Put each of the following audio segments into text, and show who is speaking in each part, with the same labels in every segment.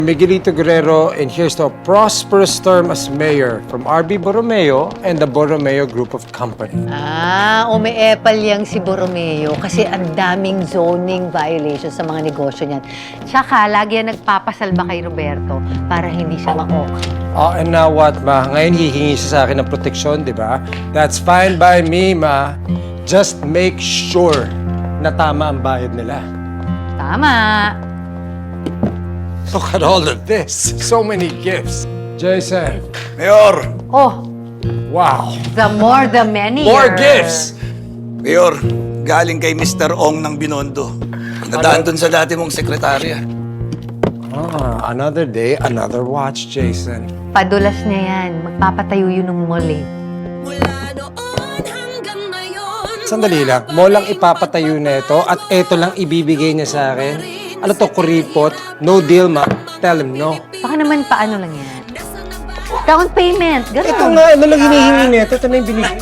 Speaker 1: Miguelito Guerrero, and here's to a prosperous term as mayor from RB Borromeo and the Borromeo Group of Company.
Speaker 2: Umiepal yang si Borromeo kasi ang daming zoning violations sa mga negosyo niyan. Tsaka, lagi yan nagpapasalba kay Roberto para hindi siya ma-ok.
Speaker 1: Oh, and now what, ma? Ngayon hihingi siya sa akin ng proteksyon, di ba? That's fine by me, ma. Just make sure na tama ang bayad nila.
Speaker 2: Tama.
Speaker 1: Look at all of this. So many gifts. Jason.
Speaker 3: Mayor!
Speaker 2: Oh,
Speaker 1: Wow.
Speaker 2: the more the merrier.
Speaker 1: More gifts!
Speaker 3: Mayor, galing kay Mr. Ong ng Binondo. Nadaan dun sa dati mong sekretarya.
Speaker 1: Another day, another watch, Jason.
Speaker 2: Padulas niya yan. Magpapatayo yun ng mall eh.
Speaker 1: Sandali lang, mo lang ipapatayo na ito at ito lang ibibigay niya sa akin. Ano to, kuripot? No deal, ma. Tell him no.
Speaker 2: Baka naman paano lang yan. Down payment. Ganun.
Speaker 1: Ito nga, ano lang hinihingi niya? Ito na yung binigay.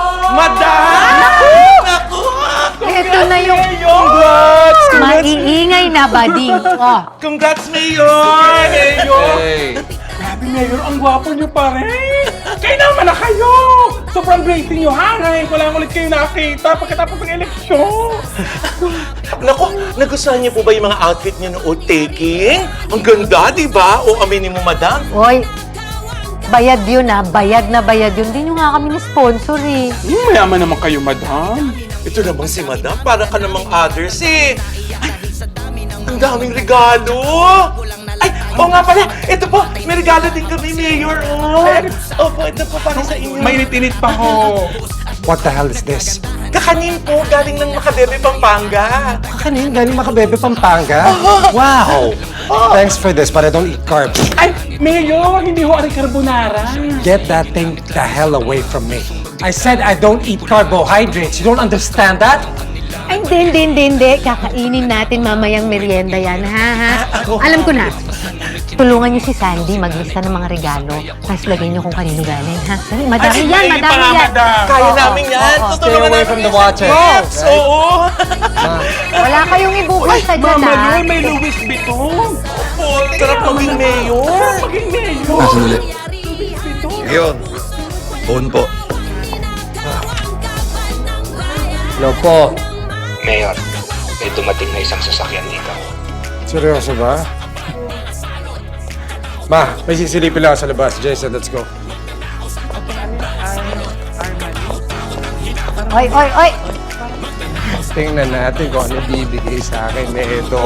Speaker 2: Ito na yung
Speaker 1: Congrats!
Speaker 2: maiingay na bading. Oh.
Speaker 4: Congrats, Mayor! Mayor!
Speaker 1: Hey.
Speaker 4: Grabe, Mayor, ang gwapo niyo pa rin! Kayo naman na kayo! Sobrang great niyo, ha? Ngayon ko lang ulit kayo nakita pagkatapos ng eleksyon! Naku, nagustuhan niyo po ba yung mga outfit niyo noong taking? Ang ganda, di ba? O aminin mo, madam?
Speaker 2: Hoy, bayad yun bayad na bayad yun. Hindi nyo nga kami ni-sponsor eh.
Speaker 4: Mayaman naman kayo, madam. Ito namang si madam, para ka namang others eh. Ay, ang daming regalo! Ay, oo nga pala, ito po, may regalo din kami, Mayor. Oh. Opo, ito po para sa inyo. Mainit-init pa ho.
Speaker 1: What the hell is this?
Speaker 4: Kakanin po, galing ng Macabebe, Pampanga.
Speaker 1: Kakanin, galing Macabebe, Pampanga? Wow! Thanks for this, but I don't eat carbs.
Speaker 4: Ay, Mayor, hindi ho ari carbonara.
Speaker 1: Get that thing the hell away from me. I said I don't eat carbohydrates. You don't understand that?
Speaker 2: Ay, hindi. Kakainin natin mamayang merienda yan, ha? Alam ko na. Tulungan niyo si Sandy maglista ng mga regalo. Tapos lagay niyo kung kanino galing, ha? Dali, madami yan.
Speaker 4: Kaya namin yan.
Speaker 1: Stay
Speaker 4: Tutulungan
Speaker 1: away
Speaker 4: namin
Speaker 1: from the
Speaker 4: yan.
Speaker 1: watches.
Speaker 4: Yes, oo.
Speaker 2: Wala kayong ibubulsa dyan,
Speaker 4: Mama,
Speaker 2: ha?
Speaker 4: yun, may Louis Vuitton. Sarap maging mayor. Sarap maging mayor.
Speaker 3: Sandali. Mayor, phone po.
Speaker 1: Hello po.
Speaker 5: Mayor, may dumating na isang sasakyan dito.
Speaker 1: Seryoso ba? Ma, may sisilipin lang sa labas. Jason, let's go.
Speaker 2: Oy!
Speaker 1: Tingnan natin kung ano bibigay sa akin na ito.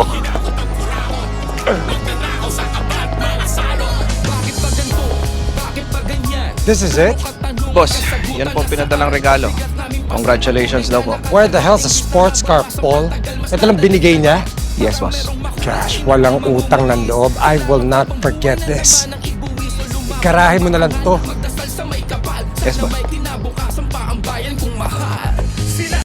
Speaker 1: This is it?
Speaker 6: Boss, yan po ang pinadalang regalo. Congratulations daw po.
Speaker 1: Where the hell's a sports car, Paul? Ito lang binigay niya?
Speaker 6: Yes, boss.
Speaker 1: Gosh, walang utang ng loob. I will not forget this. Ikarahin mo na lang to.
Speaker 6: Yes, boss.